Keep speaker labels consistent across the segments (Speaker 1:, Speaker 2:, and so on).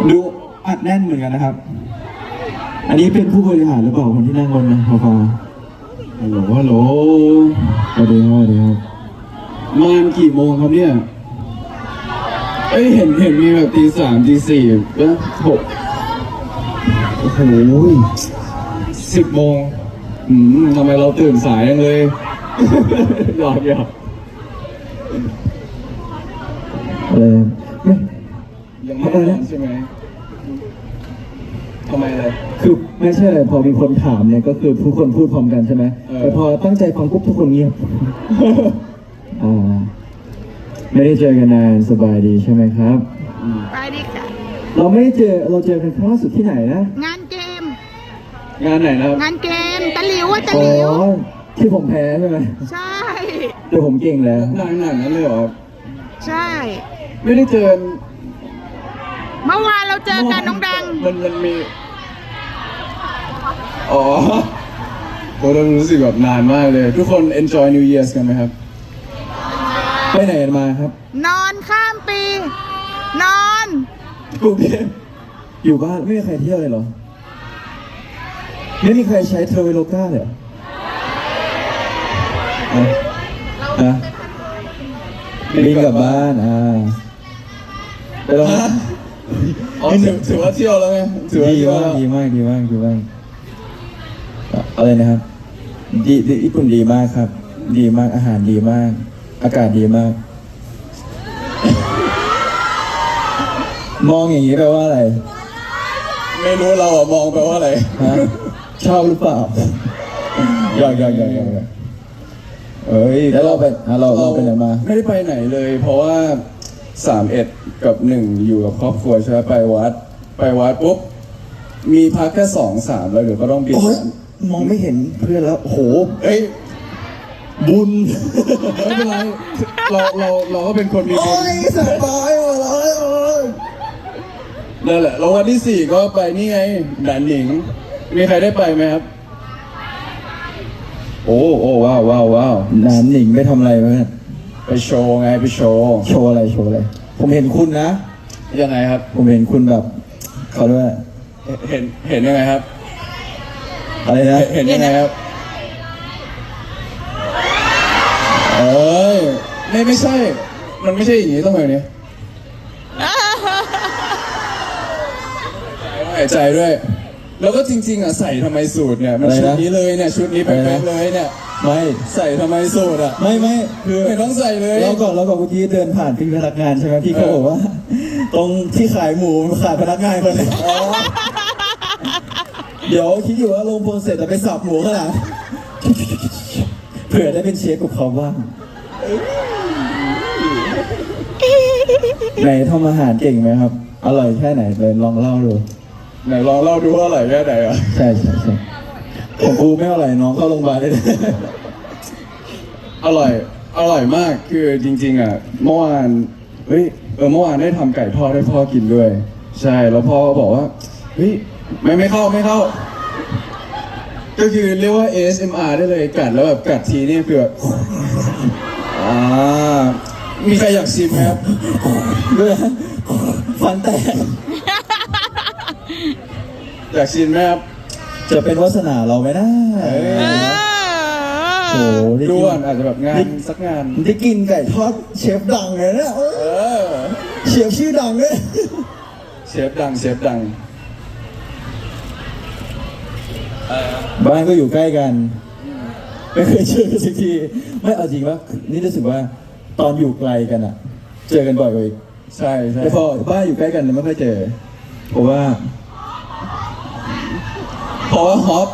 Speaker 1: ดูอัดแน่นเหมือนกันนะครับ อันนี้เป็นผู้บริหารหรือเปล่าคนที่นั่งบนนะพอฮัลโหลฮัลโหลสวัสดีครับสวัสดีครับมากี่โมงครับเนี่ยเอ้ยเห็นมีแบบตี 3 ตี 4แล้ว6โอ้โห10 โมงทำไมเราตื่นสายจังเลยหยอกอะไรยังไม่ได้ใช่ไหมทำไมเลยคือไม่ใช่อะไรพอมีคนถามเนี่ยก็คือทุกคนพูดพร้อมกันใช่ไหมแต่พอตั้งใจฟังปุ๊บทุกคนเงียบไม่ได้เจอกันนานสบายดีใช่ไหมครับ
Speaker 2: สบายดีค่ะ
Speaker 1: เราเจอกันครั้งล่าสุดที่ไหนนะ
Speaker 2: งานเกม
Speaker 1: งานไหนนะครับ
Speaker 2: งานเกมตะหลิวตะหลิว
Speaker 1: ที่ผมแพ้ใช่ไหม
Speaker 2: ใช่
Speaker 1: แต่ผมเก่งแล้วนานนั้นเลยเหรอ
Speaker 2: ใช่
Speaker 1: ไม่ได้เจอ
Speaker 2: เมื่อวานเราเจอกันน้องดัง
Speaker 1: มันมีผมรู้สึกแบบนานมากเลยทุกคน enjoy New Year's กันไหมครับไปไหนกันมาครับ
Speaker 2: นอนข้ามปีนอน
Speaker 1: กรุงเทพอยู่บ้านไม่มีใครเที่ยวเลยเหรอไม่มีใครใช้เทอร์เวโลก้าเลยเหรอบินกลับบ้านไปลองถือว่าเที่ยวแล้วไงดีมากอะไรนะครับดีญี่ปุ่นดีมากครับดีมากอาหารดีมากอากาศดีมากมองอย่างนี้แปลว่าอะไรไม่รู้เรามองแปลว่าอะไรชอบหรือเปล่าอยากแล้วเราไปไหนมาไม่ได้ไปไหนเลยเพราะว่า31 กับ 1อยู่กับครอบครัวใช่ไหมไปวัดปุ๊บมีพักแค่2 3แล้วเดี๋ยวก็ต้องบินมองไม่เห็นเพื่อนแล้วโหบุญไม่เป็นไรเราก็เป็นคนมีบุญสบายเลยนั่นแหละแล้ววันที่4ก็ไปนี่ไงดันหนิงมีใครได้ไปไหมครับโอ้ว้าวดันหนิงไปทำอะไรเพื่อนไปโชว์ไงไปโชว์อะไรผมเห็นคุณนะยังไงครับผมเห็นคุณแบบเขาด้วยเห็นยังไงครับอะไรนะเห็นยังไงครับไม่ใช่มันไม่ใช่อย่างนี้ต้องแบบนี้หายใจด้วยแล้วก็จริงๆใส่ทำไมสูตรเนี่ยมันชุดนี้เลยเนี่ยชุดนี้แป๊ะเลยเนี่ยไม่ใส่ทำไมสูตรไม่คือไม่ต้องใส่เลยเราก่อนเมื่อกี้เดินผ่านพี่พนักงานใช่ไหมพี่เขาบอกว่าตรงที่ขายหมูขาดพนักงานคนนึงเดี๋ยวคิดอยู่ว่าลงโปรเสร็จจะไปสับหมูขนาดเผื่อได้เป็นเชฟกับเขาบ้างไหนทำอาหารเก่งไหมครับอร่อยแค่ไหนเลยลองเล่าดูไหนลองเล่าดูว่าอร่อยแค่ไหนอ่ะใช่ผมกูไม่อร่อยน้องเข้าโรงพยาบาลได้เลยอร่อยมากคือจริงๆเมื่อวานเมื่อวานได้ทำไก่ทอดให้พ่อกินด้วยใช่แล้วพ่อบอกว่าไม่เข้าก็คือเรียกว่า ASMR ได้เลยกัดแล้วแบบกัดทีนี่คือแบบมีใครอยากชิมไหมครับด้วยฟันแตกอยากชิมไหมครับจะเป็นวาสนาเราไหมนะโอ้ดูอาจจะแบบงานสักงานได้กินไก่ทอดเชฟดังเลยนะเชฟชื่อดังเลยเชฟดังบ้านก็อยู่ใกล้กันไม่เคยเจอกันสักทีไม่เอาจริงว่านี่รู้สึกว่าตอนอยู่ไกลกันเจอกันบ่อยกว่าอีกใช่แต่พอบ้านอยู่ใกล้กันไม่ค่อยเจอเพราะว่าฮอป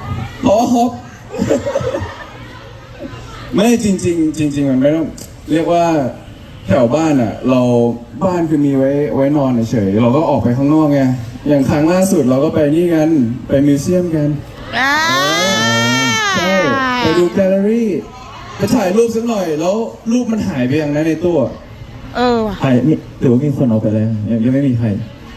Speaker 1: ไม่จริงมันไม่ต้องเรียกว่าแถวบ้านเราบ้านคือมีไว้นอนเฉยเราก็ออกไปข้างนอกไงอย่างครั้งล่าสุดเราก็ไปนี่กันไปมิวเซียมกันใช่ไปดูแกลเลอรี่ไปถ่ายรูปสักหน่อยแล้วรูปมันหายไปอย่างนั้นในตู้หายนี่หรือว่ามีคนเอาไปแล้วยังไม่มีใคร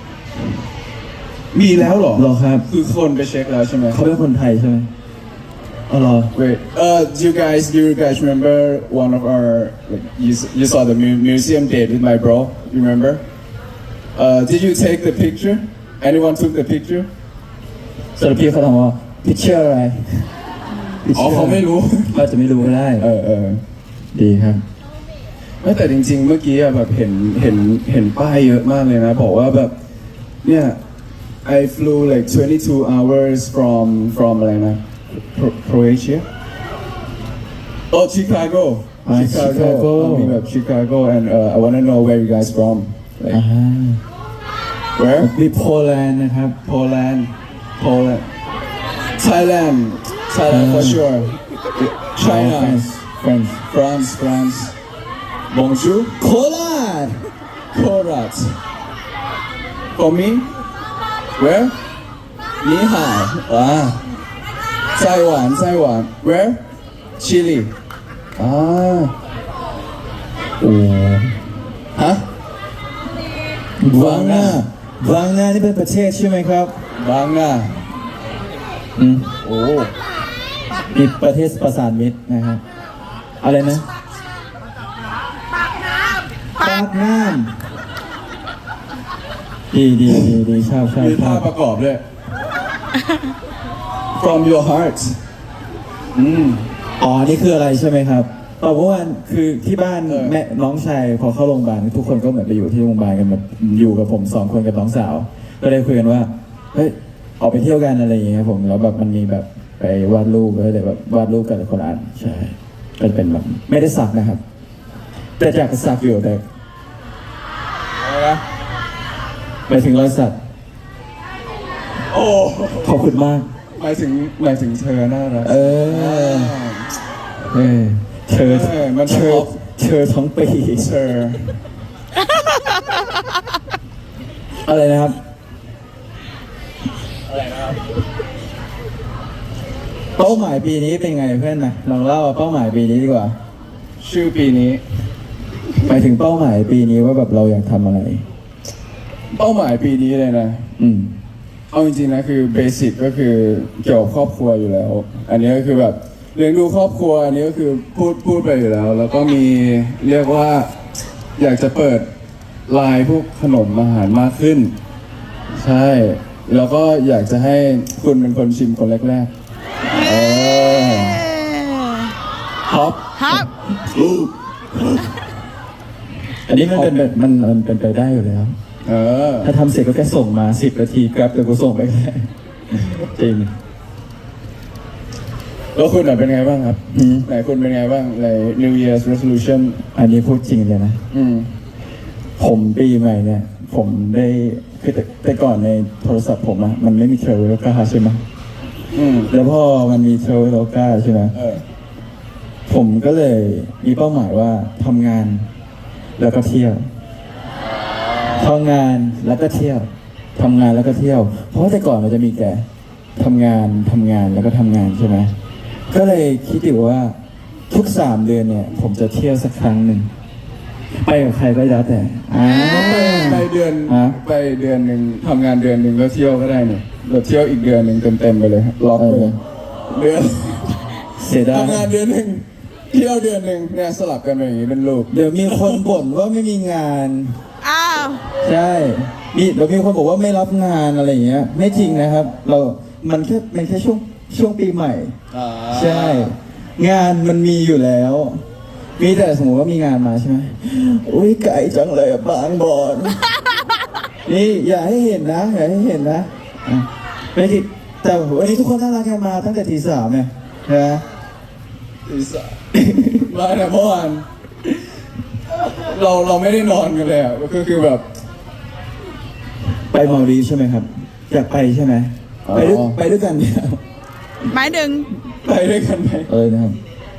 Speaker 1: มีแล้วเหรอครับคือคนไปเช็คแล้วใช่ไหมเขาเป็นคนไทยใช่ไหมWait. Do you guys remember one of our you saw the museum date with my bro? You remember? Did you take the picture? Anyone took the picture?
Speaker 3: สรุปพี่เขาถามว่าพิเชอร์อะไร
Speaker 1: อ๋อเขาไม่รู้
Speaker 3: ก็จะไม่รู้ก็ได้
Speaker 1: เออ
Speaker 3: ดีครับ
Speaker 1: ไม่แต่จริงๆ เมื่อกี้อะแบบเห็นป้ายเยอะมากเลยนะบอกว่าแบบเนี่ย I flew like 22 hours from อะไรนะ Croatia Oh Chicago
Speaker 3: Chicago
Speaker 1: มีแบบ Chicago and I wanna know where you guys from like
Speaker 3: อ่า
Speaker 1: where
Speaker 3: มีโปแลนด์นะครับ
Speaker 1: Poland Thailand for sure China
Speaker 3: France
Speaker 1: Bonjour
Speaker 3: โคราช
Speaker 1: Korat for me where 你好ไต้หวันwhere Chile
Speaker 3: โอ้
Speaker 1: ฮะ
Speaker 3: วังนานี่เป็นประเทศใช่ไหมครับ
Speaker 1: บางนา
Speaker 3: โอ้มีประเทศประสานมิตรนะครับอะไรนะปากน้ำดีชอบ
Speaker 1: มีท่าประกอบด้วย from your heart
Speaker 3: อ๋อนี่คืออะไรใช่ไหมครับเมื่อวานคือที่บ้าน แม่น้องชายพอเข้าโรงพยาบาลทุกคนก็เหมือนไปอยู่ที่โรงพยาบาลกันแบบอยู่กับผม2 คนกับน้องสาว ก็เลยคุยกันว่าเฮ้ยออกไปเที่ยวกันอะไรอย่างเงี้ยครับผมแล้วแบบมันมีแบบไปวาดรูปก็เลยแบบวาดรูปกันคนละอันใช่ก็จะเป็นแบบไม่ได้สักนะครับ แต่จากสักอยู่แต่
Speaker 1: อะไรนะ
Speaker 3: หมายถึงรอยสัก
Speaker 1: โอ้
Speaker 3: ขอบคุณมาก
Speaker 1: หมายถึงเธอน่ารัก
Speaker 3: เธอ
Speaker 1: มัน
Speaker 3: เธอทั้งปี
Speaker 1: เธอ
Speaker 3: อะไรนะครับเป้าหมายปีนี้เป็นไงเพื่อนนะลองเล่าเป้าหมายปีนี้ดีกว่า
Speaker 1: ชื่อปีนี้
Speaker 3: หมายถึงเป้าหมายปีนี้ว่าแบบเราอยากทำอะไร
Speaker 1: เป้าหมายปีนี้เลยนะ เอาจริงๆนะคือเบสิกก็คือเกี่ยวกับครอบครัวอยู่แล้ว อันนี้ก็คือแบบเลี้ยงดูครอบครัวอันนี้ก็คือพูดไปอยู่แล้ว แล้วก็มีเรียกว่าอยากจะเปิดไลน์พวกขนมอาหารมากขึ้น ใช่ แล้วก็อยากจะให้คุณเป็นคนชิมคนแรกๆท็อป
Speaker 2: ครับ
Speaker 3: อันนี้มันเป็นแบบมันเป็นไปได้อยู่แล้ว ถ้าทำเสร็จก็แค่ส่งมา10 นาทีครับเดี๋ยวกูส่งไปแค่จริง
Speaker 1: แล้วคุณเป็นไงบ้างครับไหนคุณเป็นไงบ้างใน New Year's Resolution
Speaker 3: อันนี้พูดจริงเลยนะ ผมปีใหม่เนี่ย ผมได้คือแต่ก่อนในโทรศัพท์ผมอะมันไม่มี Traveloka ใช่ไหมแล้วพอมันมี Traveloka ใช่ไหมผมก็เลยมีเป้าหมายว่าทำงานแล้วก็เที่ยวทำงานแล้วก็เที่ยวทำงานแล้วก็เที่ยว เพราะแต่ก่อนมันจะมีแก่ทำงานแล้วก็ทำงานใช่ไหมก็เลยคิดอยู่ว่าทุก3 เดือนเนี่ย ผมจะเที่ยวสักครั้งหนึ่งไปกับใครก็แล้วแต่
Speaker 1: ไปเดือนหนึ่งทำงานเดือนหนึ่งแล้วเที่ยวก็ได้เนี่ยเราเที่ยวอีกเดือนหนึ่งเต็มไปเลยล็อกเลยเดือน
Speaker 3: เสียดาย
Speaker 1: ทำงานเดือนหนึ่งเที่ยวเดือนหนึ่งเนี่ยสลับกันไปอย่างนี้เป็นลูก
Speaker 3: เดี๋ยวมีคนบ่นว่าไม่มีงาน
Speaker 2: อ้าว
Speaker 3: ใช่เดี๋ยวมีคนบอกว่าไม่รับงานอะไรอย่างเงี้ย ไม่จริงนะครับ มันแค่ช่วงปีใหม่ ใช่ งานมันมีอยู่แล้ว มีแต่สมมติว่ามีงานมาใช่ไหมอุ้ยไกลจังเลยอะบางบอนนี่อย่าให้เห็นนะอ่ะไม่ที่แต่วันนี้ทุกคนน่ารักกันมาตั้งแต่ตี 3เนี่ยนะ
Speaker 1: มาแต่เมื่อวานเราไม่ได้นอนกันเลยอ่ะก็คือแบบ
Speaker 3: ไปมาดีฟใช่ไหมครับอยากไปใช่ไหมไปด้วยกันเนี่ย
Speaker 2: หมายถึง
Speaker 1: ไปด้วยกันไหม
Speaker 3: นะครับ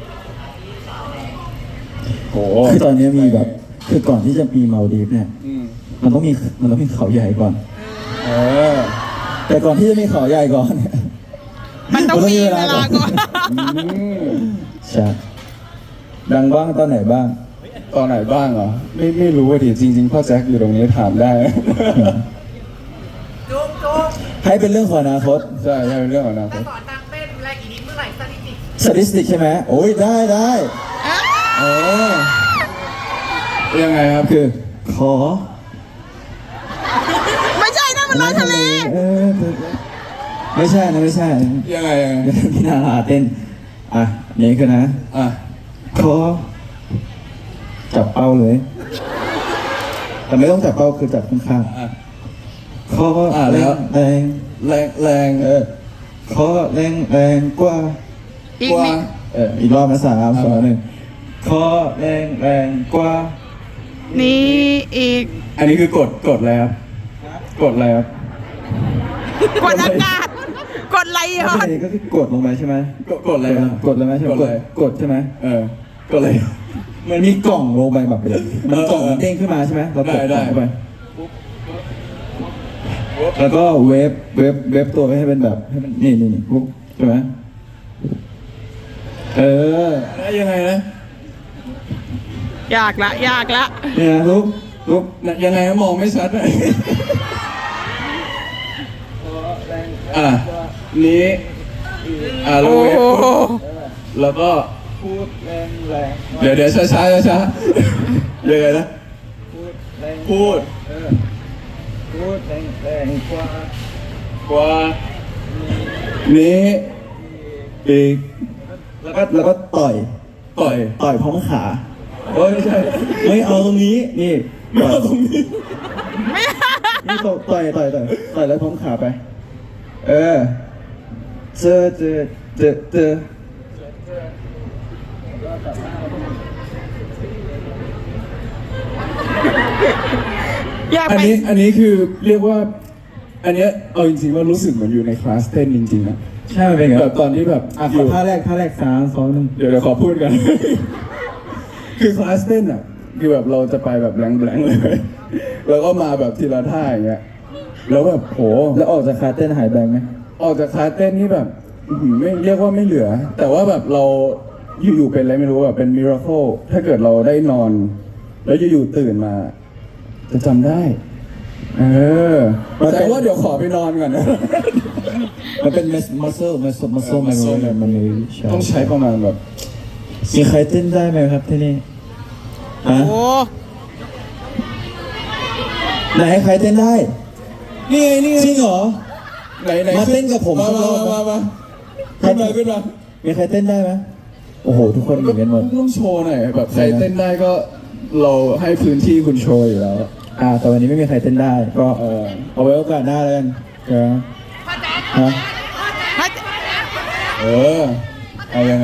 Speaker 1: โอ้
Speaker 3: คือตอนนี้มีแบบคือก่อนที่จะมีมาดีฟเนี่ยมันต้องมีเขาใหญ่ก่อนแต่ก่อนที่จะมีเขาใหญ่ก่อนเนี่ย
Speaker 2: มันต้องมีเวลาก่อน
Speaker 3: ใช่ดังบ้างตอนไหนบ้าง
Speaker 1: ตอนไหนบ้างเหรอไม่รู้ว่าดิจริงๆพ่อแจ็คอยู่ตรงนี้ถามได้
Speaker 3: ให้เป็นเรื่องของอนาคต
Speaker 1: ใช่เป็นเรื่องของอนาคต
Speaker 4: สอนนางเต้นแรกอีนี้เมื่อไหร่สถิติ
Speaker 3: สถิติใช่ไหมโอ้ยได้
Speaker 1: ยังไงครับ
Speaker 3: คือขอ
Speaker 2: มันลอยทะเล
Speaker 3: ไม่ใช่นะไม่ใช่
Speaker 1: ยังไง
Speaker 3: พี่นาราเต้นอ่ะนี่คือนะ
Speaker 1: อ่ะ
Speaker 3: ขอจับเป้าเลย แต่ไม่ต้องจับเป้าคือจับข้างๆขอ
Speaker 1: แล้ว
Speaker 3: แรง
Speaker 1: แรง
Speaker 3: ขอแรงกว่า
Speaker 2: อีก
Speaker 1: กว่า
Speaker 2: นิด
Speaker 3: อีกรอบนะ3 2 1ขอแรงกว่า
Speaker 2: นี่อีก
Speaker 1: อันนี้คือกดอะไรครับกดอะไรครับ
Speaker 2: กดอากาศ กดไหลย้อน
Speaker 3: ก็คือกดลงไปใช่ไหม
Speaker 1: กดอะไรครับ
Speaker 3: กดเลยไหมใช่ไหม
Speaker 1: กดอะไร
Speaker 3: กดใช่ไหม
Speaker 1: กดอะไร
Speaker 3: มันมีกล่องลงไปแบบมันกล่องมันเด้งขึ้นมาใช่ไหมเรากด
Speaker 1: ได้
Speaker 3: เข้าไปแล้วก็เวฟตัวให้เป็นแบบให้มันนี่ปุ๊บใช่ไหม
Speaker 1: ยังไงนะ
Speaker 2: ยากละ
Speaker 3: เนี่ยลุก
Speaker 1: ยังไงนะมองไม่ชัดเลยนี้แล้ว
Speaker 2: โอ้
Speaker 1: เวฟ
Speaker 2: โห
Speaker 1: แล้วก็
Speaker 3: พูดแรง
Speaker 1: เดี๋ยวช้ายังไงนะพูด
Speaker 3: พูดแรงกว่าก
Speaker 1: ว่านี้อีก
Speaker 3: แล้วก็ต่อย
Speaker 1: ต่อย
Speaker 3: พร้อมขา
Speaker 1: ไม่ใช่
Speaker 3: ไม่เอาตรงนี้นี่
Speaker 1: ไม่เอาตรงนี้
Speaker 3: นี่ต่อยแล้วพร้อมขาไปเจอ
Speaker 2: อยาก
Speaker 1: อัน
Speaker 2: ไป
Speaker 1: นี้คือเรียกว่า อันเนี้ยเอาจริงๆว่ารู้สึกเหมือนอยู่ในคลาสเต้นจริงๆนะ
Speaker 3: ใช่มันเป็นไง
Speaker 1: แบบตอนที่แบบ
Speaker 3: อ่ะ
Speaker 1: อยู่
Speaker 3: ท่าแรก3 2 1
Speaker 1: เดี๋ยวขอพูดกัน คือคลาสเต้นอ่ะคือแบบเราจะไปแบบแบงค์เลย แล้วก็มาแบบทีละท่าอย่างเงี้ยแล้วแบบโห
Speaker 3: แล้วออกจากคาเต้นหายแบงไหม
Speaker 1: ออกจากคลาสเต้นนี่แบบไม่เรียกว่าไม่เหลือ แต่ว่าแบบเราอยู่ๆเป็นอะไรไม่รู้แบบเป็นมิราเคิลถ้าเกิดเราได้นอน แล้วอยู่ๆตื่นมา จะจำได้ แต่ว่าเดี๋ยวขอไปนอนก่อนนะ
Speaker 3: มันเป็น muscle memory
Speaker 1: ต้องใช้ประมาณแบบ
Speaker 3: มีใครเต้นได้ไหมครับที่นี่
Speaker 2: โอ้โห
Speaker 3: ไหนใครเต้นได้
Speaker 1: นี่ไงนี่ไง
Speaker 3: จริงเหรอ
Speaker 1: ไหน
Speaker 3: มาเต้นกับผม
Speaker 1: มา
Speaker 3: สักรอบ
Speaker 1: มาขึ้นมา
Speaker 3: มีใครเต้นได้ไหมโอ้โหทุกคนเหมือนกันหมด
Speaker 1: ต้องโชว์หน่อยแบบใครเต้นได้ก็เราให้พื้นที่คุณโชว์อยู่แล้ว
Speaker 3: แต่วันนี้ไม่มีใครเต้นได้ก็เอาไว้โอกาสหน้าแล้วกันฮะ
Speaker 1: เอายังไง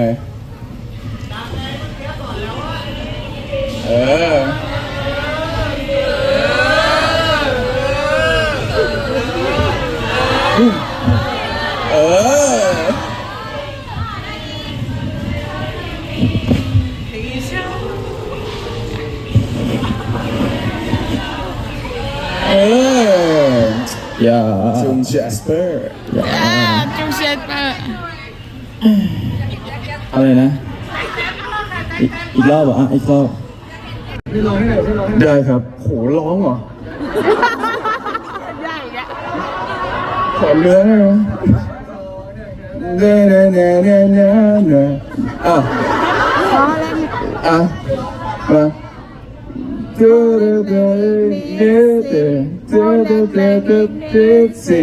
Speaker 3: อย่า
Speaker 1: จุงแจสเปอร์
Speaker 2: จูเซตเปอร์
Speaker 3: อะไรนะอีกรอบเหรออีกรอบ
Speaker 1: ได้ครับโหร้องเหรอ
Speaker 2: ยากอ่ะ
Speaker 1: ขอเนื้อได้ไหมเน่อ่ะ
Speaker 2: พอแล้วเนี่ย
Speaker 1: มาดูดูสิ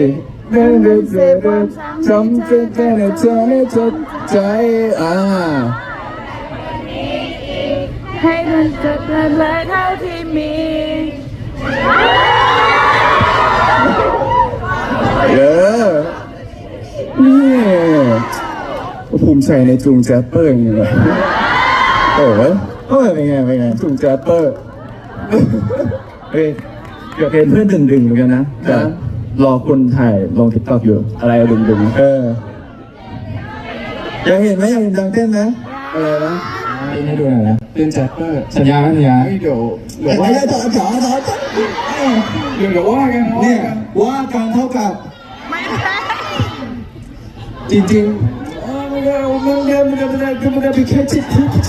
Speaker 1: ทำใจในใจจดใจ
Speaker 2: ให้มันจบเลยเท่าที่มี
Speaker 1: นี่ภูมิใจในจุงแจปเปอร์อย่างเงี้ย
Speaker 3: เป็นไง
Speaker 1: จุงแจปเปอร์
Speaker 3: เฮ้ยเกิดเป็นเพื่อนดึงเหมือนกันนะแต่รอคนถ่ายลงทิกตอกอยู่อะไรดึงอยากเห็นไหมอยากเห็นดังเต้นนะอะไรนะให้ดูหน่อยนะ
Speaker 1: เป็นแจปเปอร์
Speaker 3: สัญญา
Speaker 1: เดี๋ยวว่าเดี๋ยวว่ากัน
Speaker 3: เนี่ยว่าการเท่ากับ
Speaker 2: ไม่ได้
Speaker 1: จริงมันเป็นแค่จิต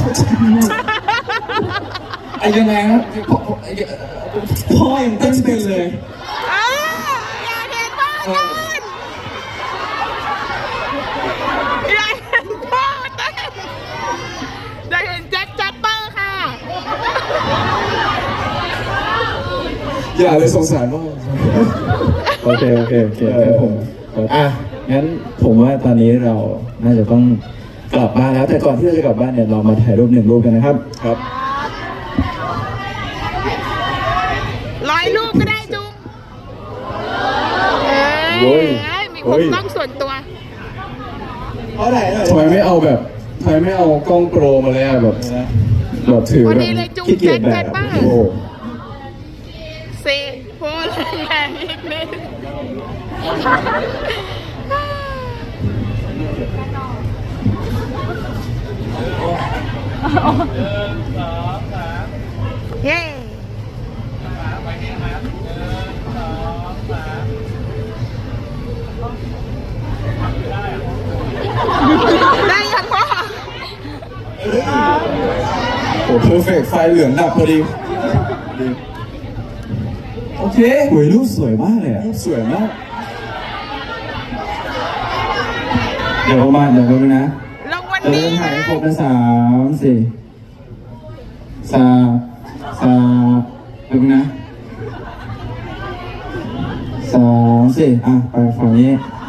Speaker 1: ไอ้ยังไงครับพ่อยังเต้นเป็นเลย
Speaker 2: อยากเห็นพ่อเต้นอยากเห็นพ่อเต้นอยากเห็นแจ็คแจ็ปเปอร์ค่ะ
Speaker 1: อย่าเลยสงสารพ่อ
Speaker 3: โอเคครับผมอ่ะงั้นผมว่าตอนนี้เราน่าจะต้องกลับบ้านแล้วแต่ก่อนที่เราจะกลับบ้านเนี่ยเรามาถ่ายรูป1 รูปกันนะครับ
Speaker 1: ครับ
Speaker 2: 100 รูปก็ได้จุง
Speaker 3: โอ้ย
Speaker 2: มี
Speaker 3: โอ้
Speaker 2: มุม
Speaker 3: ย
Speaker 2: กล้องส่วนตัว
Speaker 3: เพราะไหนหน่อย
Speaker 1: ทำไมไม่เอากล้องโปรมาเลยอะแบบถือ
Speaker 2: วัน
Speaker 1: แบบ
Speaker 2: นี้เลยจุง
Speaker 3: ขี้เกียจแบ
Speaker 2: แจ็
Speaker 3: บ
Speaker 2: คบ้าง
Speaker 3: โอ้โห
Speaker 2: เซโพลแรงอีกนิดเย้ได้ยังพ่อ
Speaker 1: โอ้เพอร์เฟกไฟเหลืองดับพอดีโอเค
Speaker 3: โอ้ยรูปสวยมากเลยอ่ะ
Speaker 1: สวยมาก
Speaker 3: เดี๋ยวนะ
Speaker 2: ลงวัน
Speaker 3: เดิ
Speaker 2: นี้
Speaker 3: นถ่าย
Speaker 2: นะ
Speaker 3: ให้ครบนะ3 4ดูนะ3 4อ่ะไปฝั่งนี้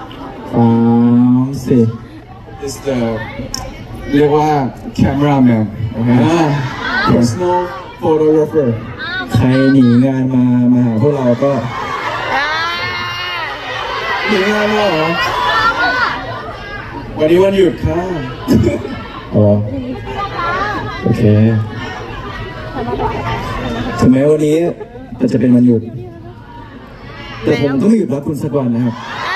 Speaker 3: 3 4
Speaker 1: is the เรียกว่า cameraman โอเค personal photographer
Speaker 3: ใครหนีงานมาหาพวกเราก็
Speaker 2: อ่า
Speaker 1: หนีงานมาเหรอวันนี้วันหยุดค่ะ
Speaker 3: อ๋อโอเคถึงแม้วันนี้จะเป็นวันหยุด แต่ผมต้องหยุดรักคุณสักวันนะครับ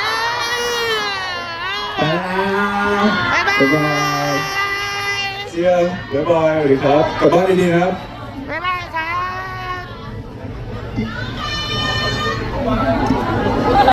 Speaker 2: บ๊ายบาย
Speaker 3: บ๊ายบาย
Speaker 1: เชียร์บ๊ายบายสวัสดีครับกลับบ้านดีๆนะครับ
Speaker 2: บ๊ายบายครับ